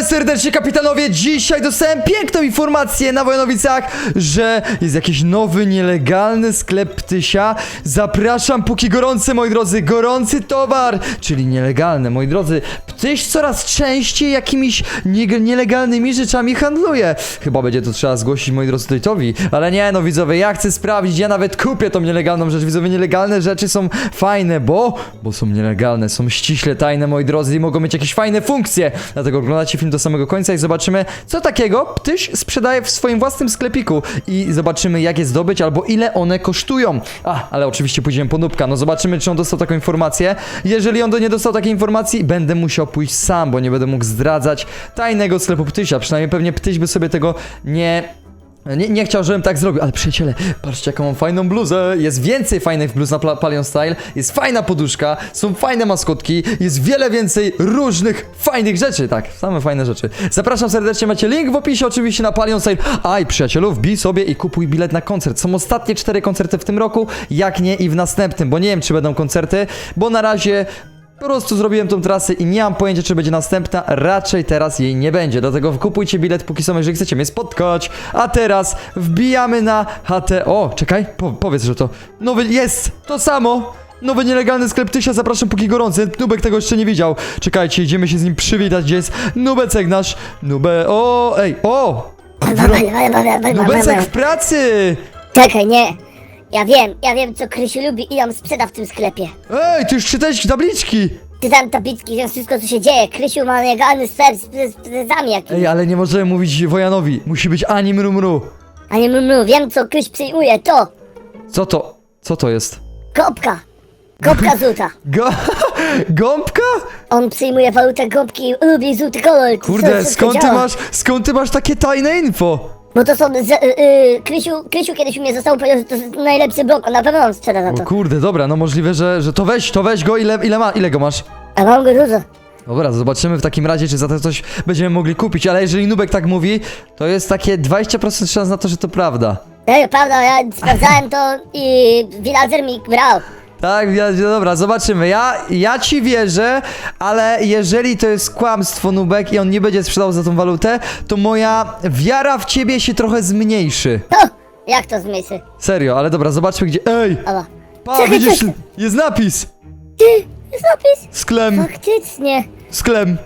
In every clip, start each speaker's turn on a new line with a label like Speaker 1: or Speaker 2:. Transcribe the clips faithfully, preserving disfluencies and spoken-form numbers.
Speaker 1: serdecznie, kapitanowie! Dzisiaj dostałem piękną informację na Wojanowicach, że jest jakiś nowy, nielegalny sklep Ptysia. Zapraszam, póki gorący, moi drodzy, gorący towar, czyli nielegalny, moi drodzy. Ptyś coraz częściej jakimiś nie nielegalnymi rzeczami handluje. Chyba będzie to trzeba zgłosić, moi drodzy, Tojtowi. Ale nie, no widzowie, ja chcę sprawdzić, ja nawet kupię tą nielegalną rzecz. Widzowie, nielegalne rzeczy są fajne, bo... Bo są nielegalne, są ściśle tajne, moi drodzy, i mogą mieć jakieś fajne funkcje. Dlatego oglądacie film do samego końca i zobaczymy, co takiego Ptyś sprzedaje w swoim własnym sklepiku. I zobaczymy, jak je zdobyć, albo ile one kosztują. A, ale oczywiście pójdziemy po Nubka. No zobaczymy, czy on dostał taką informację. Jeżeli on do nie dostał takiej informacji, będę musiał pójść sam, bo nie będę mógł zdradzać tajnego sklepu Ptysia. Przynajmniej pewnie Ptyś by sobie tego nie... Nie, nie chciał, żebym tak zrobił, ale przyjaciele, patrzcie, jaką mam fajną bluzę. Jest więcej fajnych bluz na Palion Style. Jest fajna poduszka, są fajne maskotki. Jest wiele więcej różnych fajnych rzeczy. Tak, same fajne rzeczy. Zapraszam serdecznie, macie link w opisie oczywiście na Palion Style. Aj, przyjacielu, wbij sobie i kupuj bilet na koncert. Są ostatnie cztery koncerty w tym roku, jak nie i w następnym, bo nie wiem, czy będą koncerty, bo na razie... Po prostu zrobiłem tą trasę i nie mam pojęcia, czy będzie następna. Raczej teraz jej nie będzie. Dlatego kupujcie bilet póki są, jeżeli chcecie mnie spotkać. A teraz wbijamy na H T. O, czekaj, po, powiedz, że to nowy jest to samo. Nowy nielegalny sklep Ptysia, zapraszam póki gorący. Nubek tego jeszcze nie widział. Czekajcie, idziemy się z nim przywitać. Gdzie jest Nubecek nasz? Nube... O, ej, o! Nubecek w pracy!
Speaker 2: Czekaj, nie. Ja wiem, ja wiem, co Krysiu lubi i ją sprzeda w tym sklepie.
Speaker 1: Ej, ty już czytałeś tabliczki!
Speaker 2: Czytam tabliczki, wiem wszystko, co się dzieje. Krysiu ma legalny sklep z, z, z prezami jakimś.
Speaker 1: Ej, ale nie możemy mówić Wojanowi. Musi być ani mru mru.
Speaker 2: A nie mru, wiem, co Kryś przyjmuje, to
Speaker 1: Co to? Co to jest?
Speaker 2: gąbka. Gąbka złota.
Speaker 1: Go... Gąbka?
Speaker 2: On przyjmuje walutę gąbki i lubi złoty kolor.
Speaker 1: Kurde,
Speaker 2: Co- co
Speaker 1: skąd ty
Speaker 2: działa?
Speaker 1: masz, skąd ty masz takie tajne info?
Speaker 2: Bo to są, z, y, y, Krysiu, Krysiu kiedyś u mnie został, powiedział, że to jest najlepszy blok, on na pewno on sprzeda za
Speaker 1: O
Speaker 2: to.
Speaker 1: kurde, dobra, no możliwe, że, że to weź, to weź go, ile, ile ma, ile go masz?
Speaker 2: A mam go dużo.
Speaker 1: Dobra, zobaczymy w takim razie, czy za to coś będziemy mogli kupić, ale jeżeli Nubek tak mówi, to jest takie dwadzieścia procent szans na to, że to prawda.
Speaker 2: Ej, prawda, ja sprawdzałem to i villager mi brał.
Speaker 1: Tak, ja, dobra, zobaczymy. Ja, ja ci wierzę, ale jeżeli to jest kłamstwo, Nubek, i on nie będzie sprzedał za tą walutę, to moja wiara w ciebie się trochę zmniejszy.
Speaker 2: To, jak to zmysły?
Speaker 1: Serio, ale dobra, zobaczmy gdzie... Ej!
Speaker 2: Ała.
Speaker 1: Pa,
Speaker 2: Czekaj,
Speaker 1: widzisz,
Speaker 2: czekaj.
Speaker 1: jest napis!
Speaker 2: Ty, jest napis?
Speaker 1: Sklem,
Speaker 2: Faktycznie.
Speaker 1: sklem,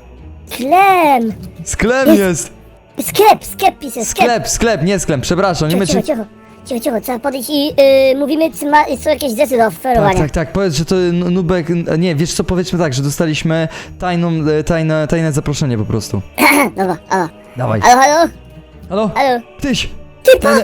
Speaker 2: Klem.
Speaker 1: sklem
Speaker 2: Jest.
Speaker 1: jest!
Speaker 2: Sklep, sklep pisze, sklep.
Speaker 1: Sklep, sklep, nie sklep, przepraszam, nie
Speaker 2: Cicho,
Speaker 1: my
Speaker 2: cicho,
Speaker 1: czy...
Speaker 2: cicho, cicho, cicho, trzeba podejść i y, mówimy, czy ma, są jakieś zesy do
Speaker 1: Tak,
Speaker 2: oferowania.
Speaker 1: tak, tak, powiedz, że to N- Nubek, nie, wiesz co, powiedzmy tak, że dostaliśmy tajną, e, tajne, tajne zaproszenie po prostu.
Speaker 2: Dobra, ała.
Speaker 1: Dawaj.
Speaker 2: Halo, halo,
Speaker 1: Halo?
Speaker 2: halo.
Speaker 1: Tyś!
Speaker 2: Ty, pa,
Speaker 1: Tajne...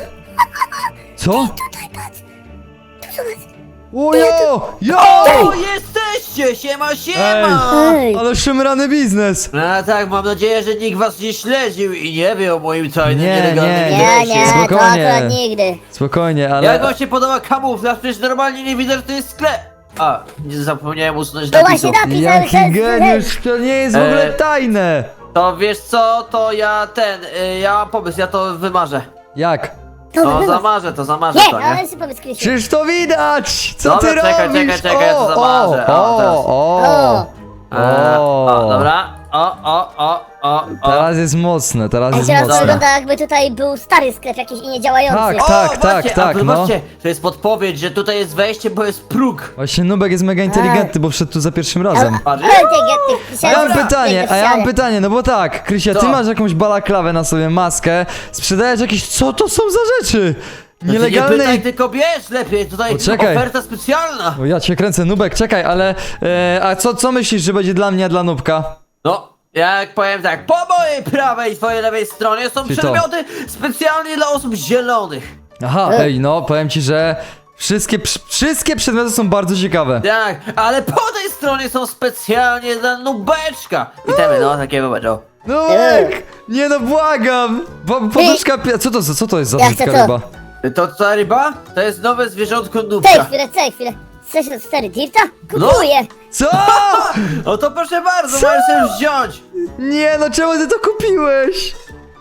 Speaker 1: Co?
Speaker 2: tutaj patrz. Tu zobacz.
Speaker 1: Ojo! Jo!
Speaker 3: O, jesteście! Siema, siema!
Speaker 2: Ej.
Speaker 1: Ale szemrany biznes!
Speaker 3: No tak, mam nadzieję, że nikt was nie śledził i nie wie o moim tajnym,
Speaker 1: Nie,
Speaker 3: nielegalnym
Speaker 1: nie,
Speaker 2: Nie,
Speaker 3: interesie.
Speaker 2: nie, to
Speaker 1: Spokojnie.
Speaker 2: akurat nigdy.
Speaker 1: Spokojnie, ale...
Speaker 3: Jak wam się podoba kamuflaż? Przecież normalnie nie widać, że to jest sklep. A, nie zapomniałem usunąć
Speaker 2: To
Speaker 3: napisu.
Speaker 2: właśnie napis,
Speaker 1: Jaki
Speaker 2: ale
Speaker 1: geniusz, to nie jest w ogóle
Speaker 3: E,
Speaker 1: tajne!
Speaker 3: To wiesz co, to ja ten, y, ja mam pomysł, ja to wymarzę.
Speaker 1: Jak?
Speaker 2: To
Speaker 3: No
Speaker 2: wygląda.
Speaker 3: zamarzę to, zamarzę
Speaker 2: Nie,
Speaker 3: to, nie?
Speaker 2: ale sobie powiedz Krysiu.
Speaker 1: Przecież to widać! Co
Speaker 3: Dobra,
Speaker 1: ty
Speaker 3: czekaj,
Speaker 1: robisz?
Speaker 3: czekaj, czekaj, ja to
Speaker 1: O,
Speaker 3: zamarzę. O,
Speaker 1: o,
Speaker 3: teraz.
Speaker 1: o,
Speaker 2: O.
Speaker 3: E,
Speaker 1: o.
Speaker 3: o, dobra. O, o, o, o, o.
Speaker 1: Teraz jest mocne, teraz
Speaker 2: Ej,
Speaker 1: jest
Speaker 2: teraz to
Speaker 1: mocne.
Speaker 2: wygląda jakby tutaj był stary sklep jakiś i niedziałający.
Speaker 1: Tak,
Speaker 3: O,
Speaker 1: tak, tak,
Speaker 3: właśnie,
Speaker 1: tak,
Speaker 3: a
Speaker 1: no.
Speaker 3: zobaczcie, to jest podpowiedź, że tutaj jest wejście, bo jest próg.
Speaker 1: Właśnie Nubek jest mega inteligentny, bo wszedł tu za pierwszym razem.
Speaker 3: Patrz.
Speaker 2: Ale ty, getty,
Speaker 1: A ja mam
Speaker 3: Dobra,
Speaker 1: pytanie, a ja mam pytanie, no bo tak, Krysia, ty
Speaker 3: Co?
Speaker 1: masz jakąś balaklawę na sobie, maskę, sprzedajesz jakieś, co to są za rzeczy?
Speaker 3: Znaczy, nie
Speaker 1: Nielegalne...
Speaker 3: pytaj, tylko bierz lepiej, tutaj
Speaker 1: Poczekaj.
Speaker 3: oferta specjalna.
Speaker 1: O, ja cię kręcę, Nubek, czekaj, ale, e, a co, co myślisz, że będzie dla mnie, a dla Nubka?
Speaker 3: No, jak powiem tak, po mojej prawej i twojej lewej stronie są
Speaker 1: Czyli to.
Speaker 3: przedmioty specjalnie dla osób zielonych.
Speaker 1: Aha,
Speaker 2: E.
Speaker 1: ej, no, powiem ci, że wszystkie, przy- wszystkie przedmioty są bardzo ciekawe.
Speaker 3: Tak, ale po tej stronie są specjalnie dla nubeczka. Witamy, no, takiego będą.
Speaker 1: Nubek! Nie no, błagam! Po, poduszka, pi- co to, za- co to jest za
Speaker 2: Ja
Speaker 1: brzydka
Speaker 2: chcę to.
Speaker 1: ryba?
Speaker 3: To co, ryba? To jest nowe zwierzątko
Speaker 2: Czekaj
Speaker 3: nubka.
Speaker 2: chwilę, czekaj chwilę. Chcesz to stary dirta?
Speaker 3: No.
Speaker 2: Kupuję.
Speaker 1: Co?
Speaker 3: No to proszę bardzo,
Speaker 1: Co?
Speaker 3: możesz sobie wziąć.
Speaker 1: Nie no, czemu ty to kupiłeś?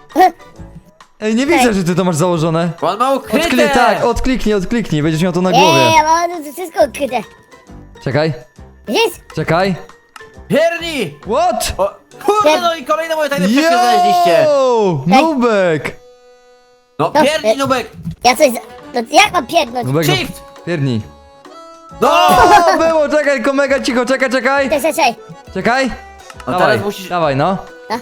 Speaker 1: Ej, nie widzę, że ty to masz założone.
Speaker 3: Bo on ma ukryte.
Speaker 1: Odkliknij, tak, odkliknij, odkliknij, będziesz miał to na
Speaker 2: Nie,
Speaker 1: głowie.
Speaker 2: ja mam wszystko ukryte.
Speaker 1: Czekaj,
Speaker 2: Widzisz?
Speaker 1: czekaj.
Speaker 3: Pierni!
Speaker 1: What?
Speaker 3: O, Kurde, no i kolejne moje tajne przejście znaleźliście.
Speaker 1: Yo! Nubek!
Speaker 3: No
Speaker 2: No,
Speaker 3: pierdnij,
Speaker 2: e-
Speaker 3: Nubek.
Speaker 2: Ja coś... za- No jak mam pierdnąć?
Speaker 1: Nubek, no,
Speaker 3: Shift.
Speaker 1: pierdnij.
Speaker 3: No!
Speaker 1: O, było, czekaj, tylko mega cicho, czekaj, czekaj.
Speaker 2: Czekaj, czekaj.
Speaker 1: Czekaj.
Speaker 3: No
Speaker 1: Dawaj,
Speaker 3: teraz musisz...
Speaker 1: dawaj, no.
Speaker 2: A?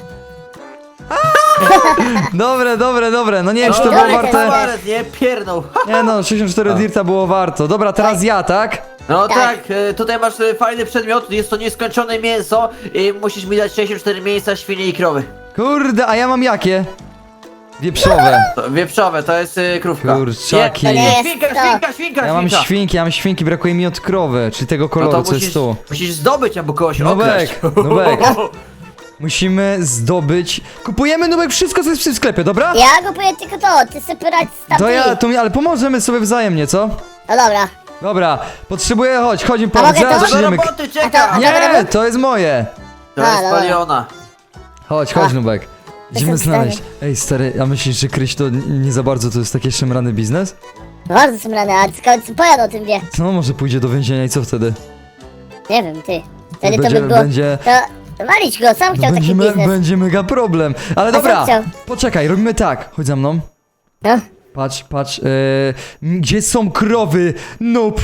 Speaker 1: Dobre, dobre, dobre. No nie wiem, czy to
Speaker 3: No,
Speaker 1: było
Speaker 2: Dobre,
Speaker 1: warte.
Speaker 3: Suarez, nie? Pierdnął.
Speaker 1: Nie no, sześćdziesiąt cztery dirta było warto. Dobra, teraz ja, tak?
Speaker 3: No
Speaker 2: Tak.
Speaker 3: tak, e, tutaj masz e, fajny przedmiot, jest to nieskończone mięso i musisz mi dać sześćdziesiąt cztery mięsa świnie i krowy.
Speaker 1: Kurde, a ja mam jakie? Wieprzowe.
Speaker 3: To, wieprzowe, to jest e, krówka.
Speaker 1: Kurczaki.
Speaker 3: Nie, nie,
Speaker 2: Jest
Speaker 3: świnka,
Speaker 2: to.
Speaker 3: świnka, świnka,
Speaker 1: Ja mam
Speaker 3: świnka.
Speaker 1: świnki, ja mam świnki, brakuje mi od krowy, czyli tego
Speaker 3: No
Speaker 1: koloru,
Speaker 3: to
Speaker 1: co jest
Speaker 3: musisz,
Speaker 1: tu.
Speaker 3: musisz zdobyć albo kogoś okraść.
Speaker 1: Nubek, Nubek. Musimy zdobyć. Kupujemy, Nubek, wszystko, co jest w tym sklepie, dobra?
Speaker 2: Ja kupuję tylko to, ty sobie radź z
Speaker 1: To
Speaker 2: tamtymi.
Speaker 1: ja, to mi, ale pomożemy sobie wzajemnie, co?
Speaker 2: No dobra.
Speaker 1: Dobra, potrzebuję, chodź, chodź mi
Speaker 2: A
Speaker 1: pomóc,
Speaker 2: mogę
Speaker 1: zaraz
Speaker 2: to?
Speaker 3: Do
Speaker 1: zaczniemy.
Speaker 3: roboty,
Speaker 2: A
Speaker 3: czekam!
Speaker 2: to-
Speaker 1: Nie, to jest moje.
Speaker 3: To
Speaker 2: A,
Speaker 3: jest
Speaker 2: dobra.
Speaker 3: paliona.
Speaker 1: Chodź, chodź,
Speaker 2: A.
Speaker 1: Nubek. Idziemy
Speaker 2: Jestem
Speaker 1: znaleźć. Ej, stary, a myślisz, że Kryś to n- nie za bardzo to jest taki szemrany biznes?
Speaker 2: Bardzo są rane, a skąd pojadę o tym wie?
Speaker 1: No, może pójdzie do więzienia i co wtedy?
Speaker 2: Nie wiem, ty. Wtedy to
Speaker 1: Będzie-
Speaker 2: by było...
Speaker 1: będzie-
Speaker 2: To walić go, sam chciał taki
Speaker 1: Będzie, me,
Speaker 2: biznes.
Speaker 1: będzie mega problem. Ale
Speaker 2: A co
Speaker 1: dobra,
Speaker 2: chciał?
Speaker 1: poczekaj, robimy tak. Chodź za mną.
Speaker 2: No.
Speaker 1: Patrz, patrz. Yy, gdzie są krowy? Noob.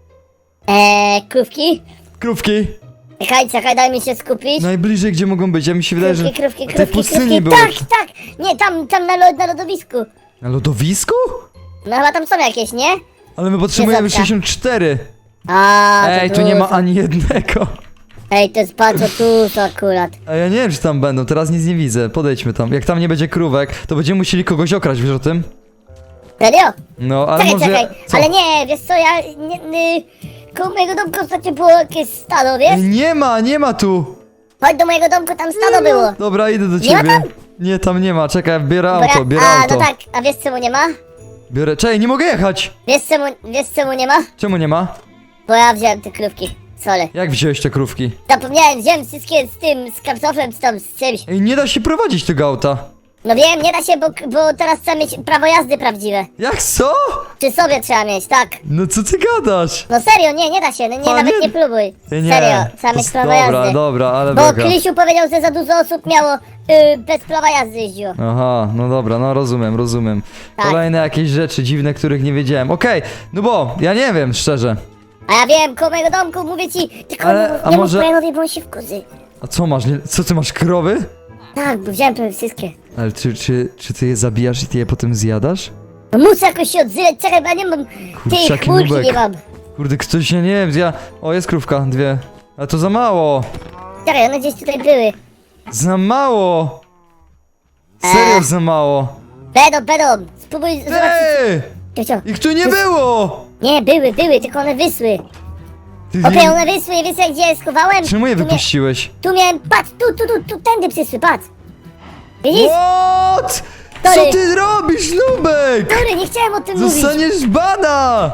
Speaker 2: Eee, krówki?
Speaker 1: Krówki.
Speaker 2: Czekaj, czekaj, daj mi się skupić.
Speaker 1: Najbliżej, gdzie mogą być. Ja mi się wydaje, że
Speaker 2: Krówki, krówki,
Speaker 1: na tej
Speaker 2: krówki,
Speaker 1: pustyni
Speaker 2: krówki.
Speaker 1: były.
Speaker 2: Tak, tak! Nie, tam, tam na, lo- na lodowisku.
Speaker 1: Na lodowisku?
Speaker 2: No chyba tam są jakieś, nie?
Speaker 1: Ale my potrzebujemy
Speaker 2: Jedzonka.
Speaker 1: sześćdziesiąt cztery.
Speaker 2: A, to
Speaker 1: Ej, tu nie ma
Speaker 2: dużo.
Speaker 1: ani jednego.
Speaker 2: Ej, to jest bardzo dużo akurat.
Speaker 1: A ja nie wiem, czy tam będą. Teraz nic nie widzę. Podejdźmy tam. Jak tam nie będzie krówek, to będziemy musieli kogoś okraść, wiesz o tym?
Speaker 2: Serio?
Speaker 1: No, ale
Speaker 2: Czekaj,
Speaker 1: może...
Speaker 2: czekaj,
Speaker 1: Co?
Speaker 2: ale nie, wiesz co, ja... Nie, nie, koło mojego domku ostatnio było jakieś stado, wiesz?
Speaker 1: Ej, nie ma, nie ma tu.
Speaker 2: Chodź do mojego domku, tam stado było.
Speaker 1: Dobra, idę do
Speaker 2: Nie ma
Speaker 1: ciebie.
Speaker 2: tam?
Speaker 1: Nie, tam nie ma. Czekaj, biorę
Speaker 2: Bo ja-
Speaker 1: auto, biorę
Speaker 2: A,
Speaker 1: auto.
Speaker 2: no tak, a wiesz czemu nie ma?
Speaker 1: Biorę... Czekaj, nie mogę jechać.
Speaker 2: Wiesz czemu, wiesz czemu nie ma?
Speaker 1: Czemu nie ma?
Speaker 2: Bo ja wziąłem te krówki. Sorry.
Speaker 1: Jak wziąłeś te krówki?
Speaker 2: Zapomniałem, wziąłem wszystkie z tym, z kartoflem, z tą, z czymś.
Speaker 1: Ej, nie da się prowadzić tego auta.
Speaker 2: No wiem, nie da się, bo, bo teraz trzeba mieć prawo jazdy prawdziwe.
Speaker 1: Jak co?
Speaker 2: Przy sobie trzeba mieć, tak.
Speaker 1: No co ty gadasz?
Speaker 2: No serio, nie, nie da się, no nie,
Speaker 1: A,
Speaker 2: nawet
Speaker 1: nie?
Speaker 2: nie próbuj.
Speaker 1: Ej, nie.
Speaker 2: Serio, trzeba
Speaker 1: To
Speaker 2: mieć
Speaker 1: s-
Speaker 2: prawo
Speaker 1: Dobra,
Speaker 2: jazdy.
Speaker 1: dobra, ale
Speaker 2: Bo
Speaker 1: beka.
Speaker 2: Krzysiu powiedział, że za dużo osób miało y, bez prawa jazdy jeździło.
Speaker 1: Aha, no dobra, no rozumiem, rozumiem.
Speaker 2: Tak.
Speaker 1: Kolejne jakieś rzeczy dziwne, których nie wiedziałem. Okej, no bo ja nie wiem, szczerze.
Speaker 2: A ja wiem, koło mojego domku, mówię ci, tylko
Speaker 1: Ale,
Speaker 2: nie,
Speaker 1: a
Speaker 2: nie
Speaker 1: może-
Speaker 2: mów Brianowi, bo on się wkurzy.
Speaker 1: A co masz? Nie, co ty masz, krowy?
Speaker 2: Tak, bo wziąłem prawie wszystkie.
Speaker 1: Ale czy, czy, czy ty je zabijasz i ty je potem zjadasz?
Speaker 2: No muszę jakoś się odzywać, czekaj, bo ja nie mam tej
Speaker 1: Kurczaki,
Speaker 2: chmurki,
Speaker 1: nubek.
Speaker 2: nie mam.
Speaker 1: Kurde, ktoś, ja nie wiem, ja... O, jest krówka, dwie. Ale to za mało.
Speaker 2: Czekaj, one gdzieś tutaj były.
Speaker 1: Za mało. Serio
Speaker 2: Eee.
Speaker 1: za mało.
Speaker 2: Będą, będą, spróbuj zobaczyć.
Speaker 1: Ej!
Speaker 2: Co, co?
Speaker 1: Ich tu nie było!
Speaker 2: Nie, były, były, tylko one wysły.
Speaker 1: Ty
Speaker 2: Okej,
Speaker 1: nie...
Speaker 2: one wysły, wiesz jak gdzie je schowałem?
Speaker 1: Czemu je
Speaker 2: Tu mia-
Speaker 1: wypuściłeś?
Speaker 2: Tu miałem, patrz, tu, tu, tu, tu, tędy przysły, patrz. Widzisz?
Speaker 1: What? Co
Speaker 2: Sorry.
Speaker 1: ty robisz, Nubek?
Speaker 2: Sorry, nie chciałem o tym mówić.
Speaker 1: Zostaniesz bana!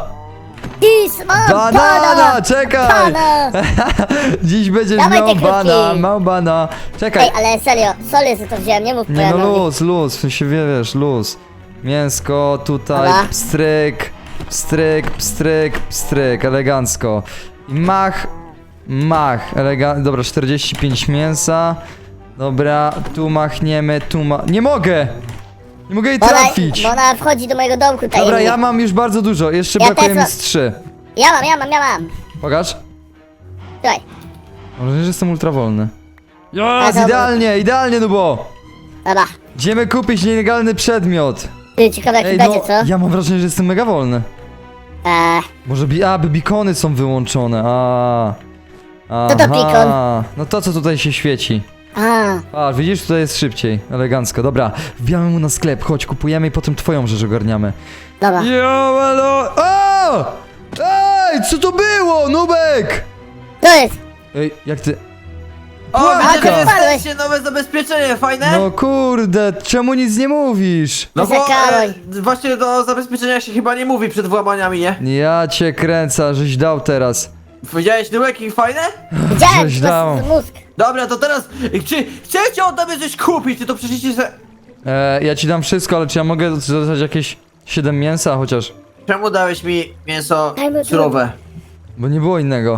Speaker 2: Ty, mam
Speaker 1: Banana,
Speaker 2: bana.
Speaker 1: czekaj!
Speaker 2: Bana.
Speaker 1: Dziś będziesz
Speaker 2: Dawaj
Speaker 1: miał
Speaker 2: te krówki.
Speaker 1: bana, mał bana. Czekaj.
Speaker 2: Ej, ale serio, sorry, że to wziąłem, nie mów
Speaker 1: Nie no,
Speaker 2: Brianowi.
Speaker 1: luz, luz, w sensie wie- wiesz, luz. Mięsko tutaj,
Speaker 2: Dobra.
Speaker 1: pstryk, pstryk, pstryk, pstryk, elegancko. I mach, mach, elegan... Dobra, czterdzieści pięć mięsa. Dobra, tu machniemy, tu ma... Nie mogę! Nie mogę jej
Speaker 2: Bo ona,
Speaker 1: trafić!
Speaker 2: bo ona wchodzi do mojego domku tajemnie.
Speaker 1: Dobra, ja mam już bardzo dużo, jeszcze
Speaker 2: Ja
Speaker 1: brakuje
Speaker 2: też
Speaker 1: mi
Speaker 2: mam.
Speaker 1: z trzy.
Speaker 2: Ja mam, ja mam, ja mam.
Speaker 1: Pokaż.
Speaker 2: Słuchaj,
Speaker 1: Może że jestem ultrawolny.
Speaker 2: A,
Speaker 1: Jest
Speaker 2: dobra.
Speaker 1: idealnie, idealnie, no bo...
Speaker 2: dobra.
Speaker 1: Idziemy kupić nielegalny przedmiot.
Speaker 2: Ty, ciekawe jak
Speaker 1: Ej,
Speaker 2: będzie,
Speaker 1: no,
Speaker 2: co?
Speaker 1: ja mam wrażenie, że jestem mega wolny.
Speaker 2: Eee,
Speaker 1: Może bi... A, by bikony są wyłączone, a.
Speaker 2: Co to
Speaker 1: Aha.
Speaker 2: bikon?
Speaker 1: No to, co tutaj się świeci.
Speaker 2: a,
Speaker 1: A, widzisz, tutaj jest szybciej, elegancko. Dobra, wbijamy mu na sklep, chodź, kupujemy i potem twoją rzecz ogarniamy.
Speaker 2: dobra.
Speaker 1: Jo, alo... O! Ej, co to było, Nubek?
Speaker 2: To jest,
Speaker 1: Ej, jak ty...
Speaker 3: O,
Speaker 1: Płaka.
Speaker 3: widzę, że
Speaker 2: Spadłeś.
Speaker 3: jesteście nowe zabezpieczenie, fajne?
Speaker 1: No kurde, czemu nic nie mówisz?
Speaker 3: No bo
Speaker 2: Zakaroj.
Speaker 3: e, właśnie do zabezpieczenia się chyba nie mówi przed włamaniami, nie?
Speaker 1: Ja cię kręcę, żeś dał teraz.
Speaker 3: Powiedziałeś, Nubek, i fajne?
Speaker 2: widziałem,
Speaker 1: Żeś
Speaker 2: po
Speaker 1: dał.
Speaker 2: prostu mózg.
Speaker 3: Dobra, to teraz, czy chcecie od tobie coś kupić, ty to przecież se...
Speaker 1: E, ja ci dam wszystko, ale czy ja mogę dostać jakieś siedem mięsa chociaż?
Speaker 3: Czemu dałeś mi mięso
Speaker 2: Daj mi to.
Speaker 3: surowe?
Speaker 1: Bo nie było innego.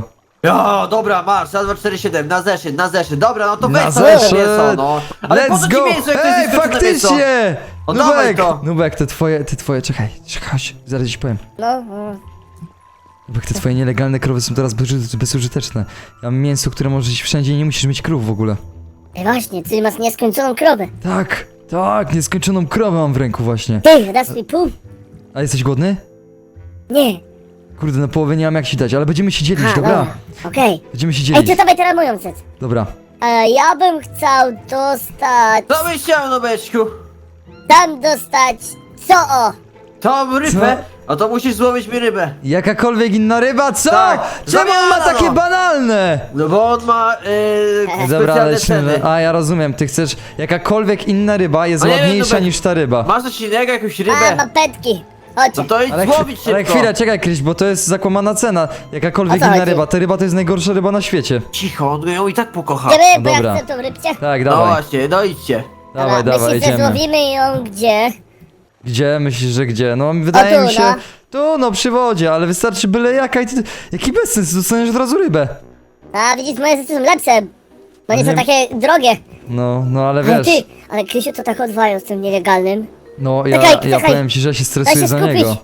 Speaker 3: Ja, dobra, masz, raz, dwa, cztery, siedem, na zeszyt, na zeszyt, dobra, no to
Speaker 1: Na
Speaker 3: weź sobie
Speaker 1: zeszyt.
Speaker 3: mięso, no. Ale po co
Speaker 1: Let's
Speaker 3: ci
Speaker 1: go!
Speaker 3: mięso, jak to
Speaker 1: Ej,
Speaker 3: jest nieskończone mięso?
Speaker 1: faktycznie!
Speaker 3: No dawaj
Speaker 1: Nubek,
Speaker 3: to.
Speaker 1: Nubek, te twoje, te twoje, czekaj, czekaj, chodź, zaraz ci powiem.
Speaker 2: No, no.
Speaker 1: Nubek, te twoje nielegalne krowy są teraz bezu- bezużyteczne. Ja mam mięso, które możesz iść wszędzie i nie musisz mieć krów w ogóle.
Speaker 2: Ej, właśnie, ty masz nieskończoną krowę.
Speaker 1: Tak, tak, nieskończoną krowę mam w ręku właśnie.
Speaker 2: Ty, dasz mi pół?
Speaker 1: A jesteś głodny?
Speaker 2: Nie.
Speaker 1: Kurde, na połowę nie mam jak ci dać, ale będziemy się dzielić,
Speaker 2: Ha,
Speaker 1: dobra?
Speaker 2: Okej.
Speaker 1: Będziemy się
Speaker 2: Ej,
Speaker 1: dzielić.
Speaker 2: to dawaj teraz moją rzecz.
Speaker 1: Dobra.
Speaker 2: E, ja bym chciał dostać...
Speaker 3: Co byś chciał, Nubeczku?
Speaker 2: Tam dostać... Co o?
Speaker 3: Tą rybę? No to musisz złowić mi rybę.
Speaker 1: Jakakolwiek inna ryba, co?
Speaker 3: Tak,
Speaker 1: Czemu on ma
Speaker 3: zamiana,
Speaker 1: takie
Speaker 3: no.
Speaker 1: banalne?
Speaker 3: No bo on ma yy,
Speaker 1: Dobra,
Speaker 3: specjalne ceny.
Speaker 1: lecimy. A ja rozumiem, ty chcesz. Jakakolwiek inna ryba jest
Speaker 3: A nie wiem,
Speaker 1: ładniejsza
Speaker 3: Nubek,
Speaker 1: niż ta ryba.
Speaker 3: Masz coś innego, jakąś
Speaker 2: A,
Speaker 3: rybę?
Speaker 2: mam petki. Chodźcie.
Speaker 3: No to idź
Speaker 1: Ale,
Speaker 3: złowić
Speaker 1: chwi- ale
Speaker 3: szybko.
Speaker 1: chwilę, czekaj Kryś, bo to jest zakłamana cena. Jakakolwiek
Speaker 2: O co
Speaker 1: inna
Speaker 2: chodzi?
Speaker 1: ryba. Ta ryba to jest najgorsza ryba na świecie.
Speaker 3: Cicho, on ją i tak pokocha.
Speaker 2: Idziemy, bo
Speaker 1: dobra.
Speaker 2: ja chcę tą rybcie.
Speaker 1: Tak,
Speaker 3: No
Speaker 1: dawaj.
Speaker 3: właśnie, no idźcie.
Speaker 1: Dawaj,
Speaker 2: Dobra,
Speaker 1: dawaj,
Speaker 2: myślisz, że
Speaker 1: idziemy.
Speaker 2: złowimy ją gdzie?
Speaker 1: Gdzie? Myślisz, że gdzie? No wydaje
Speaker 2: tu,
Speaker 1: mi się.
Speaker 2: no.
Speaker 1: Tu, no przy wodzie, ale wystarczy byle jaka i ty. Jaki bezsens, dostaniesz od razu rybę.
Speaker 2: A, widzisz, moje rzeczy są lepsze. Bo nie
Speaker 1: Nie-
Speaker 2: są takie drogie.
Speaker 1: No, no ale
Speaker 2: Ale
Speaker 1: wiesz.
Speaker 2: ty, ale Krysiu to tak odwają z tym nielegalnym.
Speaker 1: No ja,
Speaker 2: Czekaj,
Speaker 1: ja
Speaker 2: czekaj.
Speaker 1: powiem ci, że ja się
Speaker 2: Daj
Speaker 1: stresuję
Speaker 2: się
Speaker 1: za
Speaker 2: skupić.
Speaker 1: niego.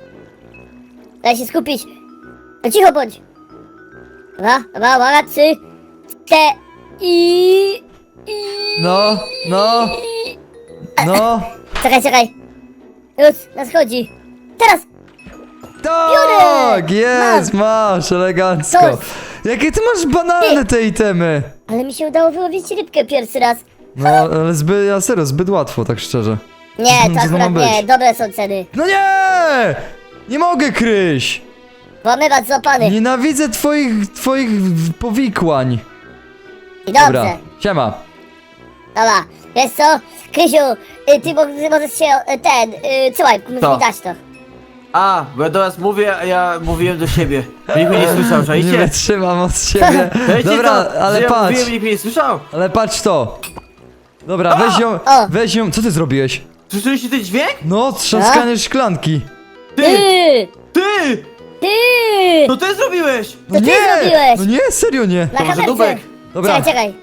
Speaker 2: Daj się skupić. No cicho bądź. Dobra, dobra, uwaga, trzy, cztery i... i...
Speaker 1: No, no. No.
Speaker 2: Czekaj, czekaj. Już, nadchodzi. Teraz!
Speaker 1: Tak,
Speaker 2: Biorę!
Speaker 1: jest, masz, elegancko.
Speaker 2: Coś.
Speaker 1: Jakie ty masz banalne te itemy?
Speaker 2: Ale mi się udało wyłowić rybkę pierwszy raz.
Speaker 1: No, ale zbyt, ja serio, zbyt łatwo, tak szczerze.
Speaker 2: Nie,
Speaker 1: Co
Speaker 2: to
Speaker 1: to ma
Speaker 2: akurat
Speaker 1: być?
Speaker 2: nie, dobre są ceny.
Speaker 1: No nie! Nie mogę, Kryś!
Speaker 2: Włamywacz złapany.
Speaker 1: Nienawidzę twoich, twoich powikłań.
Speaker 2: I dobrze.
Speaker 1: Dobra, siema.
Speaker 2: Dobra, wiesz co? Krysiu, y, ty, mo- ty możesz się, y, ten, y, słuchaj, musisz
Speaker 3: Co?
Speaker 2: mi dać to.
Speaker 3: A, bo ja do was mówię, a ja mówiłem do siebie. Nikt mnie nie słyszał,
Speaker 1: Nie
Speaker 3: czajcie?
Speaker 1: wytrzymam od siebie.
Speaker 3: Czajcie
Speaker 1: Dobra,
Speaker 3: to,
Speaker 1: ale
Speaker 3: że ja
Speaker 1: patrz,
Speaker 3: mówiłem, nikt mnie nie słyszał.
Speaker 1: ale patrz to. Dobra, weź ją,
Speaker 2: O!
Speaker 1: weź ją, co ty zrobiłeś?
Speaker 3: Słyszeliście ten dźwięk?
Speaker 1: No, trzaskanie szklanki.
Speaker 3: Ty!
Speaker 2: Ty!
Speaker 3: Ty!
Speaker 2: Ty!
Speaker 3: To ty zrobiłeś!
Speaker 1: No
Speaker 2: ty
Speaker 1: nie,
Speaker 2: zrobiłeś.
Speaker 1: no nie, serio nie.
Speaker 2: Na
Speaker 3: To może
Speaker 2: kamerce.
Speaker 3: Dubek.
Speaker 1: Dobra,
Speaker 2: Czekaj, czekaj.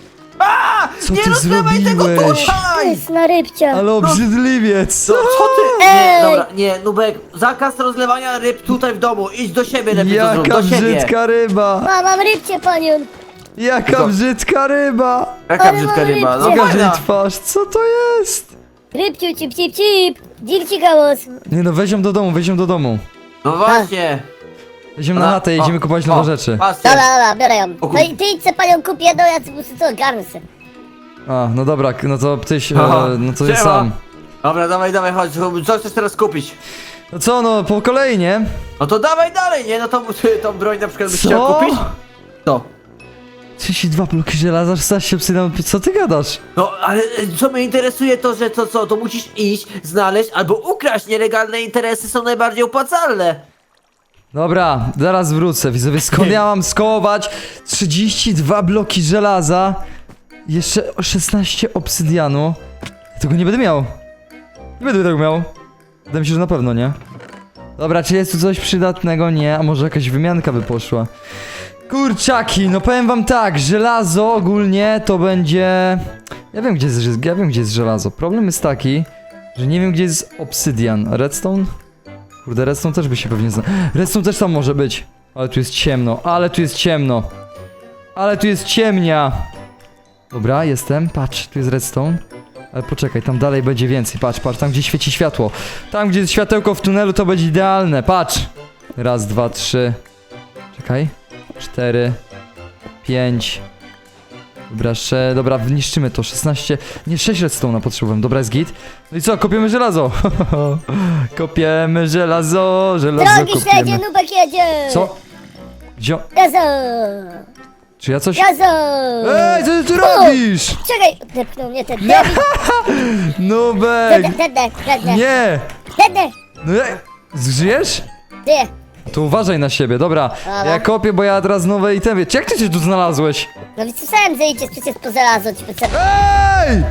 Speaker 3: A!
Speaker 1: Co
Speaker 3: nie
Speaker 1: ty
Speaker 3: rozlewaj tego
Speaker 1: zrobiłeś?
Speaker 2: To
Speaker 3: tutaj!
Speaker 2: jest na rybcia.
Speaker 1: ale obrzydliwiec.
Speaker 3: Co, co ty? Nie,
Speaker 2: Ej!
Speaker 3: dobra, nie, Nubek, zakaz rozlewania ryb tutaj w domu. Idź do siebie lepiej to zrób,
Speaker 1: Jaka
Speaker 3: do siebie.
Speaker 1: brzydka ryba.
Speaker 2: Ma, mam rybcie, panią.
Speaker 1: Jaka
Speaker 3: Tylko-
Speaker 1: brzydka ryba.
Speaker 3: Jaka
Speaker 2: Ale
Speaker 3: brzydka
Speaker 2: mam
Speaker 3: ryba, no
Speaker 2: rybcie.
Speaker 1: Pokaż jej
Speaker 3: fajna.
Speaker 1: twarz, co to jest?
Speaker 2: Rybciu, cip, cip, cip. Dzilci gałos.
Speaker 1: Nie no, weź ją do domu, weź ją do domu.
Speaker 3: No właśnie.
Speaker 1: Weź ją na
Speaker 3: Ona-
Speaker 1: chatę,
Speaker 3: o,
Speaker 1: jedziemy kupować
Speaker 3: o,
Speaker 1: nowe rzeczy.
Speaker 3: Patrzcie.
Speaker 2: Dobra, dobra, biorę ją.
Speaker 3: O kur-
Speaker 2: No i ty idź se panią kup jedną, ja muszę to ogarnę se.
Speaker 1: A, no dobra, no to tyś, e,
Speaker 3: Aha,
Speaker 1: no to jest
Speaker 3: siema.
Speaker 1: sam.
Speaker 3: Dobra, dawaj, dawaj, chodź, co chcesz teraz kupić?
Speaker 1: No co, no po kolei, nie?
Speaker 3: No to dawaj dalej, nie? No to ty, tą broń na przykład byś
Speaker 1: Co?
Speaker 3: chciał kupić? Co?
Speaker 1: trzydzieści dwa bloki żelaza, szesnaście obsydian, co ty gadasz?
Speaker 3: No, ale e, co mnie interesuje to, że to co, to musisz iść, znaleźć albo ukraść. Nielegalne interesy są najbardziej opłacalne.
Speaker 1: Dobra, zaraz wrócę, widzowie, skąd ja mam skołować trzydzieści dwa bloki żelaza, jeszcze szesnaście obsydianu. Ja tego nie będę miał. Nie będę tego miał. Wydaje mi się, że na pewno nie. Dobra, czy jest tu coś przydatnego? Nie, a może jakaś wymianka by poszła. Kurczaki, no powiem wam tak, żelazo ogólnie to będzie... Ja wiem gdzie jest, ja wiem gdzie jest żelazo. Problem jest taki, że nie wiem gdzie jest obsydian. Redstone? Kurde, redstone też by się pewnie zna... Redstone też tam może być. Ale tu jest ciemno, ale tu jest ciemno. Ale tu jest ciemnia. Dobra, jestem, patrz, tu jest redstone. Ale poczekaj, tam dalej będzie więcej, patrz, patrz, tam gdzie świeci światło. Tam gdzie jest światełko w tunelu to będzie idealne, patrz. Raz, dwa, trzy. Czekaj. Cztery. Pięć. Dobra, jeszcze, dobra, niszczymy to, szesnaście, nie, sześć redstone'a potrzebowałem, dobra, jest git. No i co, kopiemy żelazo. Kopiemy żelazo, żelazo
Speaker 2: Drogi śledzie,
Speaker 1: kopiemy.
Speaker 2: nubek jedzie.
Speaker 1: Co? Gdzie?
Speaker 2: Gazo.
Speaker 1: Czy ja coś...
Speaker 2: Gazo.
Speaker 1: Ej, co ty tu
Speaker 2: O!
Speaker 1: robisz?
Speaker 2: Czekaj, depnął mnie ten
Speaker 1: Nie.
Speaker 2: debil.
Speaker 1: Nubek!
Speaker 2: Dedę, dedę, dedę.
Speaker 1: Nie!
Speaker 2: Dedę.
Speaker 1: No ja... Zżyjesz?
Speaker 2: Ty.
Speaker 1: To uważaj na siebie, dobra.
Speaker 2: Dobra.
Speaker 1: Ja kopię, bo ja teraz nowe itemy. Jak ty się tu znalazłeś?
Speaker 2: No więc słyszałem, że idziesz przecież po żelazo, ci potrzebne.
Speaker 1: Ej!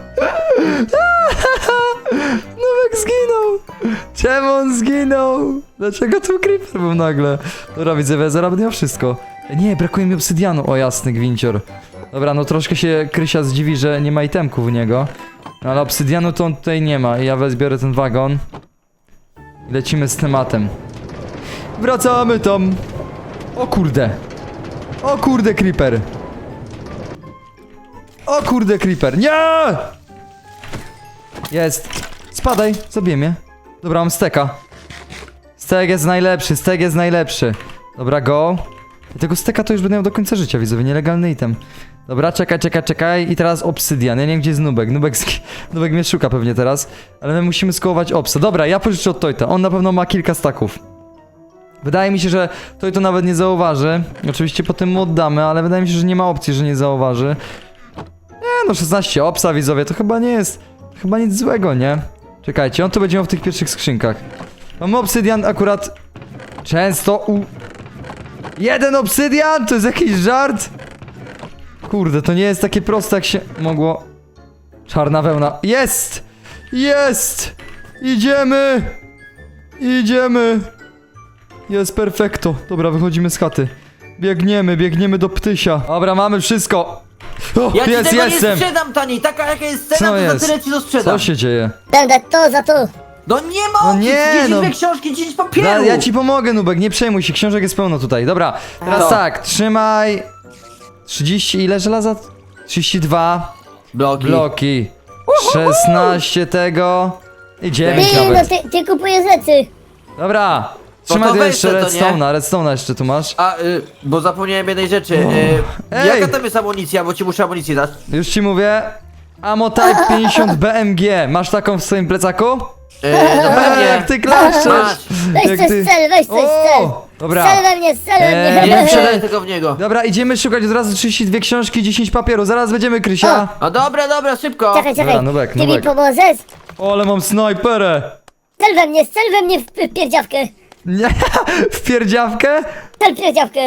Speaker 1: Nubek zginął! Czemu on zginął? Dlaczego tu creeper był nagle? Dobra, widzę, zaraz będę miał wszystko. Nie, brakuje mi obsydianu. O, jasny gwincior. Dobra, no troszkę się Krysia zdziwi, że nie ma itemków u niego. No, ale obsydianu to on tutaj nie ma. I ja wezbiorę ten wagon. I lecimy z tematem. Wracamy tam. O kurde. O kurde, creeper. O kurde, creeper. Nie! Jest. Spadaj, zabiję mnie. Dobra, mam steka. Stek jest najlepszy, stek jest najlepszy. Dobra, go. I tego steka to już będę miał do końca życia, widzowie, nielegalny item. Dobra, czekaj, czekaj, czekaj. I teraz obsydian. Ja nie wiem, gdzie jest Nubek. Nubek, sk- Nubek mnie szuka pewnie teraz. Ale my musimy skołować obsa. Dobra, ja pożyczę od Tojta. On na pewno ma kilka staków. Wydaje mi się, że Toj to nawet nie zauważy. Oczywiście potem mu oddamy, ale wydaje mi się, że nie ma opcji, że nie zauważy. Nie no, szesnaście obsa, widzowie, to chyba nie jest... Chyba nic złego, nie? Czekajcie, on to będzie miał w tych pierwszych skrzynkach. Mamy obsydian akurat... Często u... Jeden obsydian? To jest jakiś żart? Kurde, to nie jest takie proste, jak się mogło... Czarna wełna. Jest! Jest! Idziemy! Idziemy! Jest perfekto. Dobra, wychodzimy z chaty. Biegniemy, biegniemy do ptysia. Dobra, mamy wszystko. O,
Speaker 3: Ja ci
Speaker 1: jest,
Speaker 3: tego
Speaker 1: jestem!
Speaker 3: nie sprzedam, Tani! Taka jaka jest cena,
Speaker 1: Co
Speaker 3: to
Speaker 1: jest?
Speaker 3: za tyle ci to sprzedam.
Speaker 1: Co się dzieje?
Speaker 2: Będę to za to.
Speaker 3: No nie ma
Speaker 1: No
Speaker 3: opcji,
Speaker 1: nie,
Speaker 3: dziesięć
Speaker 1: no.
Speaker 3: dwie książki, dziesięć papieru!
Speaker 1: Ja, ja ci pomogę, Nubek, nie przejmuj się, książek jest pełno tutaj. Dobra, teraz
Speaker 3: No.
Speaker 1: tak, trzymaj... trzydzieści, ile żelaza? trzydzieści dwa
Speaker 3: Bloki.
Speaker 1: bloki. szesnaście tego... I dziewięć
Speaker 2: Ty, no
Speaker 1: nawet.
Speaker 2: ty, ty kupujesz rzeczy.
Speaker 1: Dobra. Trzymaj
Speaker 3: to
Speaker 1: tu
Speaker 3: weź
Speaker 1: jeszcze
Speaker 3: to, nie?
Speaker 1: redstone'a, redstone'a jeszcze tu masz.
Speaker 3: A, y, bo zapomniałem jednej rzeczy. Y,
Speaker 1: Ej!
Speaker 3: jaka tam jest amunicja, bo ci muszę amunicję dać.
Speaker 1: Już ci mówię. Ammo Type pięćdziesiąt B M G. Masz taką w swoim plecaku?
Speaker 3: Y, no
Speaker 1: Eee,
Speaker 3: pewnie.
Speaker 1: jak ty klaszczesz!
Speaker 3: Masz.
Speaker 2: Weź
Speaker 1: Jak
Speaker 2: coś
Speaker 1: ty-
Speaker 2: cel, weź coś cel.
Speaker 1: O, dobra.
Speaker 2: Cel we mnie, cel we
Speaker 1: Eee,
Speaker 2: mnie.
Speaker 3: Nie
Speaker 1: nie
Speaker 3: sprzedaj tego w niego.
Speaker 1: Dobra, idziemy szukać od razu trzydzieści dwie książki, dziesięć papieru. Zaraz będziemy, Krysia.
Speaker 3: A dobra, dobra, szybko.
Speaker 2: Czekaj, czekaj.
Speaker 1: Dobra, Nubek,
Speaker 2: Ty mi
Speaker 1: Nubek.
Speaker 2: pomożesz?
Speaker 1: O, ale mam snajperę.
Speaker 2: Cel we mnie, cel we mnie w w pierdziawkę.
Speaker 1: Nie, w pierdziawkę?
Speaker 2: Cel w pierdziawkę.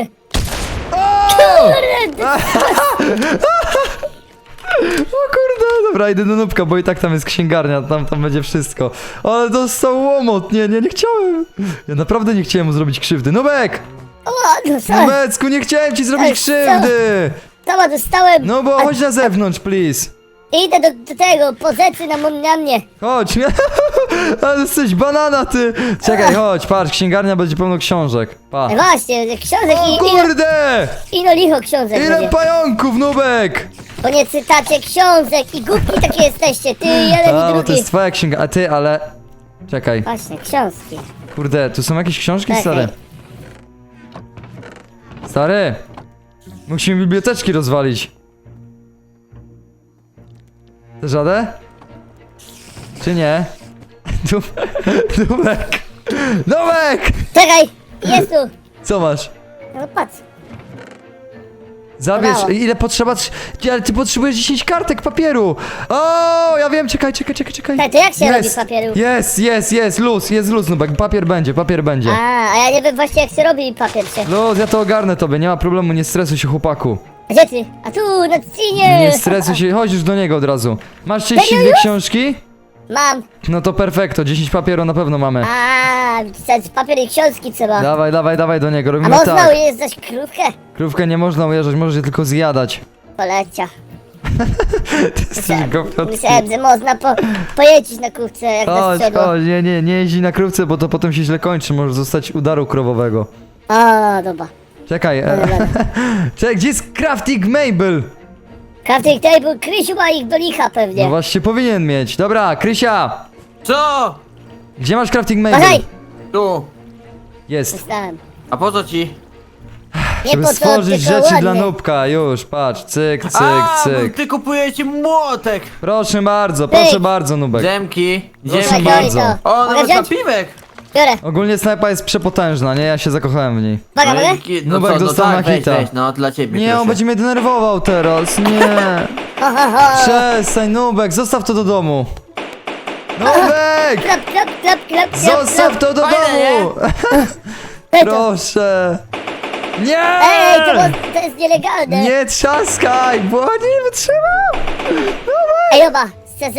Speaker 1: O kurde, dobra, idę do Nubka, bo i tak tam jest księgarnia, tam, tam będzie wszystko. Ale dostał łomot, nie, nie, nie chciałem. Ja naprawdę nie chciałem mu zrobić krzywdy. Nubek!
Speaker 2: O, no co?
Speaker 1: Nubecku, nie chciałem ci zrobić
Speaker 2: Ej,
Speaker 1: krzywdy!
Speaker 2: Sama dostałem.
Speaker 1: No bo chodź na zewnątrz, please.
Speaker 2: Idę do, do tego, po rzeczy na, mon- na mnie.
Speaker 1: Chodź, ale jesteś banana, ty! Czekaj, chodź, patrz, księgarnia będzie pełno książek. Pa.
Speaker 2: No właśnie, książek
Speaker 1: O
Speaker 2: i ino,
Speaker 1: kurde!
Speaker 2: ino licho książek
Speaker 1: Ile
Speaker 2: będzie.
Speaker 1: pająków, Nubek!
Speaker 2: Bo nie cytacie książek i głupki takie jesteście, ty jeden
Speaker 1: A,
Speaker 2: i
Speaker 1: bo to
Speaker 2: drugi.
Speaker 1: jest twoja księga, a ty, ale... Czekaj,
Speaker 2: Właśnie, książki.
Speaker 1: kurde, tu są jakieś książki,
Speaker 2: Czekaj.
Speaker 1: stary? Stary! Musimy biblioteczki rozwalić. Dasz radę? Czy nie? Nub- Nubek! Nubek!
Speaker 2: Czekaj, jest tu.
Speaker 1: Co masz?
Speaker 2: No patrz.
Speaker 1: Zabierz,
Speaker 2: Brawo.
Speaker 1: ile potrzeba? Trz- Ty, ale ty potrzebujesz dziesięć kartek papieru! O, ja wiem, czekaj, czekaj, czekaj, czekaj.
Speaker 2: Tak, to jak się robi
Speaker 1: Jest,
Speaker 2: papieru?
Speaker 1: Jest, jest, jest, luz, jest luz, Nubek, papier będzie, papier będzie.
Speaker 2: A, a ja nie wiem właśnie jak się robi papier się.
Speaker 1: Luz, ja to ogarnę tobie, nie ma problemu, nie stresuj się, chłopaku.
Speaker 2: A gdzie ty? A tu, na trzcinie.
Speaker 1: Nie stresuj się, chodź już do niego od razu. Masz trzydzieści dwie
Speaker 2: Serio już?
Speaker 1: książki?
Speaker 2: Mam.
Speaker 1: No to perfekto, dziesięć papieru na pewno mamy.
Speaker 2: A, pisać papier i książki trzeba.
Speaker 1: Dawaj, dawaj, dawaj do niego,
Speaker 2: A
Speaker 1: robimy
Speaker 2: można
Speaker 1: tak.
Speaker 2: ujeżdżać krówkę?
Speaker 1: Krówkę nie można ujeżdżać, możesz je tylko zjadać.
Speaker 2: Polecia.
Speaker 1: Ty jesteś głupiotki.
Speaker 2: Myślałem, że można po, pojeździć na krówce jak na
Speaker 1: Chodź,
Speaker 2: sprzęgło.
Speaker 1: chodź, nie, nie, nie jeździ na krówce, bo to potem się źle kończy, możesz zostać udaru krowowego.
Speaker 2: A, dobra.
Speaker 1: Czekaj, e,
Speaker 2: Dobra.
Speaker 1: czekaj, gdzie jest Crafting Mabel?
Speaker 2: Crafting table, Krysiu ma ich do licha pewnie.
Speaker 1: No właśnie powinien mieć. Dobra, Krysia,
Speaker 3: Co?
Speaker 1: gdzie masz Crafting Mabel?
Speaker 2: Uważaj!
Speaker 3: Tu.
Speaker 1: Jest.
Speaker 2: Dostałem.
Speaker 3: A po co ci?
Speaker 2: Nie
Speaker 1: Żeby
Speaker 2: po co,
Speaker 1: stworzyć
Speaker 2: tylko
Speaker 1: rzeczy
Speaker 2: ładnie.
Speaker 1: dla Nubka, już, patrz, cyk, cyk,
Speaker 3: A, bo
Speaker 1: cyk.
Speaker 3: ty kupujecie młotek.
Speaker 1: Proszę bardzo, proszę
Speaker 2: Pyk.
Speaker 1: bardzo, Nubek.
Speaker 3: Dżemki.
Speaker 1: Proszę
Speaker 3: Dżemki.
Speaker 2: Biorę
Speaker 1: bardzo.
Speaker 2: to.
Speaker 3: O,
Speaker 2: Mogę
Speaker 3: nawet
Speaker 2: wziąć?
Speaker 3: napiwek.
Speaker 2: Biorę.
Speaker 1: Ogólnie snajpa jest przepotężna, nie? Ja się zakochałem w niej.
Speaker 2: Uwaga, mogę?
Speaker 3: Jaki- No
Speaker 1: Nubek
Speaker 3: co, no
Speaker 1: dostał na
Speaker 3: tak, weź,
Speaker 1: hita.
Speaker 3: weź, no dla ciebie
Speaker 1: Nie,
Speaker 3: proszę.
Speaker 1: on będzie mnie denerwował teraz, nie.
Speaker 2: Ho, ho, ho.
Speaker 1: Przestań, Nubek, zostaw to do domu. Nubek!
Speaker 2: Klap, klap, klap, klap, klap,
Speaker 1: Zostaw to do
Speaker 3: Fajne,
Speaker 1: domu!
Speaker 2: klap.
Speaker 1: Proszę! Nie!
Speaker 2: Ej, to, mo- to jest nielegalne.
Speaker 1: Nie trzaskaj, bo nie wytrzymam!
Speaker 2: Ej, oba, szczerze?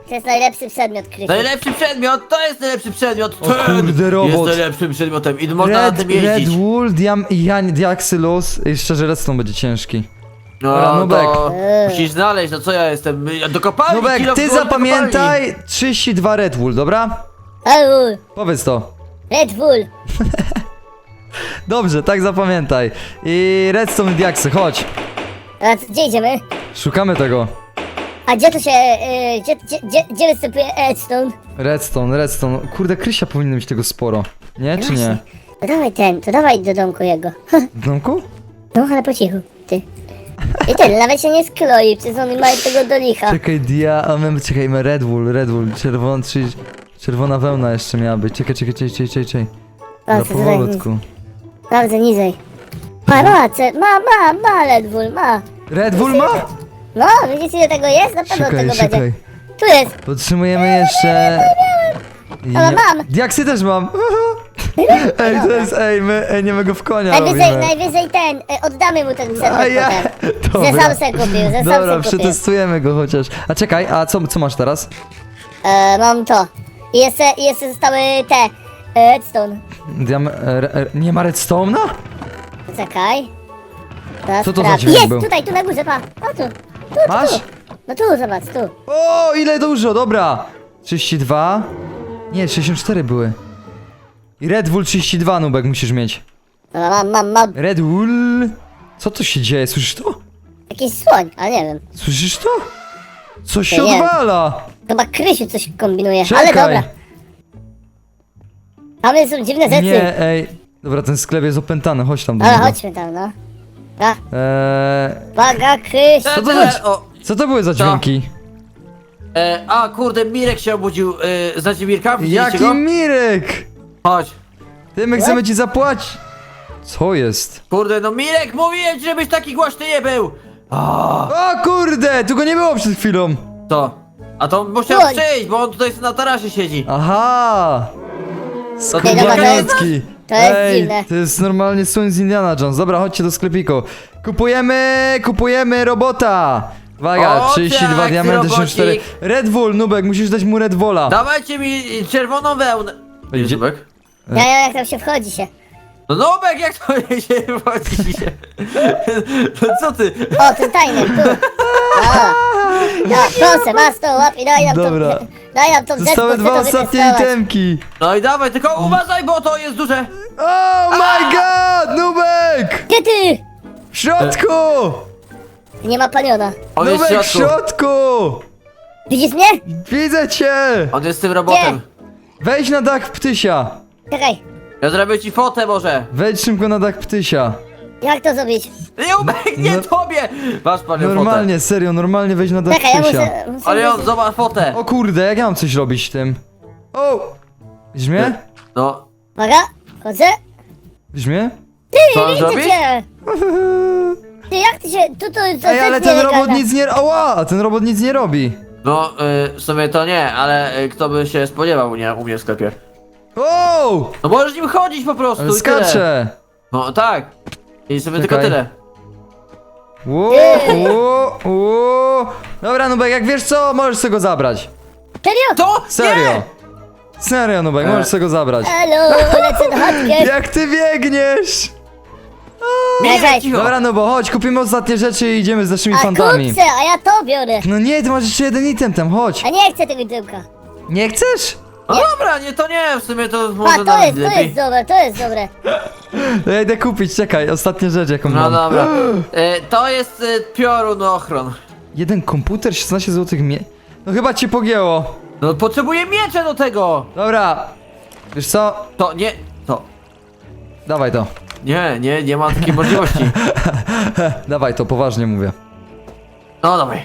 Speaker 2: To jest najlepszy przedmiot, Krysiu.
Speaker 3: Najlepszy przedmiot, to jest najlepszy przedmiot.
Speaker 1: O kurde, robot.
Speaker 3: Jest najlepszym przedmiotem i można na
Speaker 1: Red,
Speaker 3: tym
Speaker 1: Red
Speaker 3: jeździć.
Speaker 1: Wool, Diam, Jan, Diaxylus. I szczerze, redstone będzie ciężki. Dobra,
Speaker 3: No,
Speaker 1: Nubek.
Speaker 3: to
Speaker 2: Eee.
Speaker 3: musisz znaleźć, no co ja jestem? Ja do kopalni,
Speaker 1: Nubek,
Speaker 3: kilo
Speaker 1: ty
Speaker 3: w górę do kopalni.
Speaker 1: zapamiętaj trzydzieści dwa Red Wool, dobra?
Speaker 2: Au,
Speaker 1: Powiedz to.
Speaker 2: Red Bull.
Speaker 1: Dobrze, tak zapamiętaj. I redstone i diaksy, chodź.
Speaker 2: A co- gdzie idziemy?
Speaker 1: Szukamy tego.
Speaker 2: A gdzie to się, y, gdzie, gdzie, gdzie, gdzie występuje Redstone?
Speaker 1: Redstone, redstone. Kurde, Krysia powinno mieć tego sporo. Nie, czy nie?
Speaker 2: No dawaj ten, to dawaj do domku jego.
Speaker 1: W domku?
Speaker 2: No ale po cichu, ty. I ten, nawet się nie skloi, przecież oni mają tego do licha.
Speaker 1: Czekaj, dia... A my, czekaj, my Red Wool, Red Wool. Czerwona, czy... Czerwona wełna jeszcze miała być. Czekaj, czekaj, czekaj, czekaj, czekaj, czekaj.
Speaker 2: A,
Speaker 1: Na
Speaker 2: co tutaj?
Speaker 1: powolutku.
Speaker 2: Bardzo niżej. Ma, ma, ce- ma, ma, ma Red Bull, ma.
Speaker 1: Red Wool ma?
Speaker 2: No, widzisz ile tego jest? Na pewno
Speaker 1: Czekaj,
Speaker 2: tego
Speaker 1: czekaj.
Speaker 2: będzie. Tu jest.
Speaker 1: Potrzebujemy jeszcze...
Speaker 2: Ale mam.
Speaker 1: Diaksy też mam. Ej, to jest, ej, my, ej, nie my go w konia
Speaker 2: Najwyżej,
Speaker 1: robimy.
Speaker 2: najwyżej ten, e, oddamy mu ten przedmiot
Speaker 1: A ja...
Speaker 2: potem. Ze sam se kupił, ze sam
Speaker 1: Dobra,
Speaker 2: se kupił.
Speaker 1: przetestujemy go chociaż. A czekaj, a co, co masz teraz?
Speaker 2: E, mam to. I jeszcze, i jeszcze zostały te, e, Redstone.
Speaker 1: Diam... E, e, nie ma redstone'a?
Speaker 2: Czekaj. Teraz
Speaker 1: Co to za
Speaker 2: sprawdź.
Speaker 1: dźwięk
Speaker 2: Jest,
Speaker 1: był?
Speaker 2: tutaj, tu na górze, pa. O tu. Tu, tu,
Speaker 1: Masz?
Speaker 2: tu. No tu, zobacz, tu.
Speaker 1: O, ile dużo, dobra. trzydzieści dwa. Nie, sześćdziesiąt cztery były. I Red Bull trzydzieści dwa, Nubek, musisz mieć.
Speaker 2: Dobra, mam, mam, mam.
Speaker 1: Red Bull... Co to się dzieje, słyszysz to?
Speaker 2: Jakiś słoń, ale nie wiem.
Speaker 1: Słyszysz to? Coś się
Speaker 2: Ja nie wiem.
Speaker 1: odwala.
Speaker 2: Chyba Krysiu coś kombinuje,
Speaker 1: Czekaj.
Speaker 2: ale dobra. Tam są dziwne rzeczy.
Speaker 1: Nie, ej. Dobra, ten sklep jest opętany, chodź tam do
Speaker 2: Ale
Speaker 1: niego.
Speaker 2: chodźmy tam, no. A,
Speaker 1: Eee,
Speaker 2: uwaga, Krysiu.
Speaker 1: Co to
Speaker 3: E,
Speaker 1: za-
Speaker 3: o,
Speaker 1: co to były za dźwięki?
Speaker 3: e, a kurde, Mirek się obudził. E, znacie Mirka? Widzieliście
Speaker 1: Jaki
Speaker 3: go?
Speaker 1: Mirek!
Speaker 3: Chodź.
Speaker 1: Ty, my chcemy ci zapłacić. Co jest?
Speaker 3: Kurde, no Mirek, mówiłem ci, żebyś taki głośny nie był. A,
Speaker 1: O kurde, tu go nie było przed chwilą.
Speaker 3: to. A to on musiał
Speaker 2: Słoń.
Speaker 3: przyjść, bo on tutaj na tarasie siedzi.
Speaker 1: Aha!
Speaker 3: To ty
Speaker 2: dobra, to jest-
Speaker 1: Skubaniecki.
Speaker 2: to jest
Speaker 1: Ej,
Speaker 2: dziwne.
Speaker 1: to jest normalnie słoń z Indiana Jones. Dobra, chodźcie do sklepiku. Kupujemy, kupujemy robota. Uwaga,
Speaker 3: O,
Speaker 1: trzydzieści dwa
Speaker 3: tak,
Speaker 1: diamenty, sześćdziesiąt cztery.
Speaker 3: robocik.
Speaker 1: Red Bull, Nubek, musisz dać mu Red Bulla.
Speaker 3: Dawajcie mi czerwoną wełnę.
Speaker 1: Ej,
Speaker 3: Gdzie
Speaker 1: gdzie-
Speaker 3: Zubek?
Speaker 2: Ja, ja, jak tam się wchodzi się.
Speaker 3: No Nubek, jak to się wchodzi się? No co ty?
Speaker 2: O, ten tajny, tu. O. No, proszę, masz to, łap i daj nam
Speaker 1: Dobra.
Speaker 2: to. Daj nam to
Speaker 1: Zostały
Speaker 2: chcę
Speaker 1: dwa
Speaker 2: to
Speaker 1: ostatnie
Speaker 2: wytestować.
Speaker 1: itemki.
Speaker 3: No i dawaj, tylko uważaj, bo to jest duże.
Speaker 1: Oh my god, Nubek!
Speaker 2: Gdzie ty?
Speaker 1: W środku!
Speaker 2: Nie ma paniona.
Speaker 3: On jest w
Speaker 1: Nubek w
Speaker 3: środku.
Speaker 1: środku!
Speaker 2: Widzisz mnie?
Speaker 1: Widzę cię!
Speaker 3: On jest z tym robotem.
Speaker 1: Wejdź na dach ptysia.
Speaker 2: Czekaj,
Speaker 3: Ja zrobię ci fotę może.
Speaker 1: Wejdź szybko na dach ptysia.
Speaker 2: jak to zrobić?
Speaker 3: Nubek, nie
Speaker 1: No-
Speaker 3: tobie! Masz panią
Speaker 1: Normalnie, serio, normalnie wejdź na dach
Speaker 2: Czekaj, ja
Speaker 1: ptysia.
Speaker 2: muszę... muszę
Speaker 3: Ale on,
Speaker 2: muszę-
Speaker 3: zobacz fotę.
Speaker 1: O kurde, jak ja mam coś robić tym? O! Widzisz mnie?
Speaker 3: No,
Speaker 2: Uwaga, chodzę.
Speaker 1: Widzisz mnie?
Speaker 3: co on
Speaker 2: Widzę
Speaker 3: zrobi?
Speaker 2: cię! Ty, jak ty się... Tu, tu, to
Speaker 1: Ej, ale
Speaker 2: jest
Speaker 1: ten
Speaker 2: nielegalne.
Speaker 1: robot nic nie... Ała! A ten robot nic nie robi.
Speaker 3: No, y, w sumie to nie, ale y, kto by się spodziewał u mnie, u mnie w sklepie.
Speaker 1: O!
Speaker 3: No możesz nim chodzić po prostu i tyle.
Speaker 1: Skacze!
Speaker 3: No tak. I sobie tylko
Speaker 1: Czekaj.
Speaker 3: tyle.
Speaker 1: Ło, ło, ło. Dobra, Nubek, jak wiesz co, możesz sobie go zabrać.
Speaker 2: Serio?
Speaker 3: To?
Speaker 1: Serio!
Speaker 3: Nie!
Speaker 1: Serio, Nubek,
Speaker 3: E.
Speaker 1: możesz sobie go zabrać.
Speaker 2: Halo, lecę do chatki.
Speaker 1: Jak ty biegniesz!
Speaker 3: Mirek, cicho.
Speaker 1: Dobra, no bo chodź, kupimy ostatnie rzeczy i idziemy z naszymi
Speaker 2: A
Speaker 1: fantami.
Speaker 2: kupce, a ja to biorę.
Speaker 1: No nie, ty masz jeszcze jeden item tam, chodź.
Speaker 2: A nie chcę tego tyłka.
Speaker 1: Nie chcesz?
Speaker 3: No dobra, nie, to nie, w sumie to
Speaker 2: A,
Speaker 3: może
Speaker 2: to
Speaker 3: nawet
Speaker 2: jest, to
Speaker 3: lepiej.
Speaker 2: jest dobre, to jest dobre.
Speaker 1: To ja idę kupić, czekaj, ostatnia rzecz jaką
Speaker 3: No
Speaker 1: mam.
Speaker 3: dobra. Y, to jest y, piorun ochron.
Speaker 1: Jeden komputer, szesnaście złotych mie... No chyba cię pogięło.
Speaker 3: No potrzebuję miecze do tego!
Speaker 1: Dobra. Wiesz co?
Speaker 3: To nie, to.
Speaker 1: Dawaj to.
Speaker 3: Nie, nie, nie ma takiej możliwości.
Speaker 1: Dawaj to, poważnie mówię.
Speaker 3: No dawaj.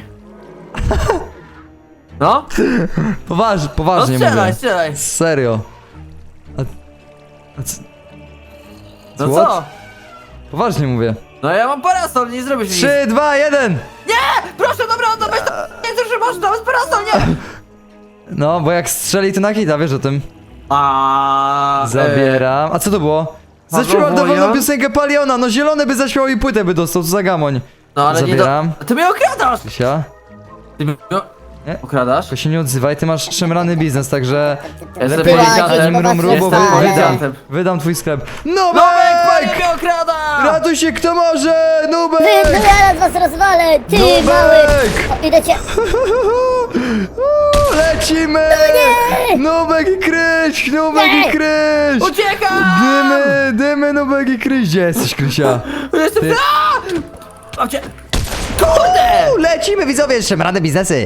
Speaker 3: No?
Speaker 1: Poważ,
Speaker 3: No
Speaker 1: poważnie
Speaker 3: strzelaj,
Speaker 1: mówię.
Speaker 3: strzelaj.
Speaker 1: Serio. A, a c...
Speaker 3: No
Speaker 1: What?
Speaker 3: co?
Speaker 1: Poważnie mówię.
Speaker 3: No ja mam parasol, nie zrobisz mi nic.
Speaker 1: Trzy, dwa, jeden.
Speaker 3: Nie! Proszę, dobra, oddawaj to! Nie chcę, że masz nawet parasol, nie!
Speaker 1: No, bo jak strzeli to na hita, wiesz o tym.
Speaker 3: A
Speaker 1: Zabieram. A co to było? Zaśpiewał
Speaker 3: Pawłowo,
Speaker 1: dowolną
Speaker 3: ja?
Speaker 1: piosenkę Paliona. No zielony by zaśpiewał i płytę by dostał, co za gamoń.
Speaker 3: No ale
Speaker 1: Zabieram.
Speaker 3: nie do... Ty mnie okradasz!
Speaker 1: Sia.
Speaker 3: Ty mnie...
Speaker 1: Nie?
Speaker 3: Okradasz?
Speaker 1: Tylko się nie odzywaj, ty masz szemrany biznes, także
Speaker 3: Jestem
Speaker 1: lepiej
Speaker 3: policjantem.
Speaker 1: mrum, mrum, bo
Speaker 3: Jestem
Speaker 1: wy- wydam,
Speaker 3: policjantem.
Speaker 1: wydam twój sklep.
Speaker 3: Nubek,
Speaker 1: Nubek!
Speaker 3: mnie okrada!
Speaker 1: Ratuj się kto może!
Speaker 2: Wy, no
Speaker 1: Nubek!
Speaker 2: ja was rozwalę, ty
Speaker 1: Nubek!
Speaker 2: mały! O, idę cię...
Speaker 1: Uuu, lecimy! Nubek i Kryś! Nubek i
Speaker 2: Nie!
Speaker 1: Kryś!
Speaker 3: Uciekam!
Speaker 1: Dymy, dymy, Nubek i Kryś! Gdzie jesteś, Krysia?
Speaker 3: Jestem...
Speaker 1: Ty-
Speaker 3: Aaa! Mam cię... Kurde!
Speaker 1: Uuu, lecimy widzowie, szemrane biznesy!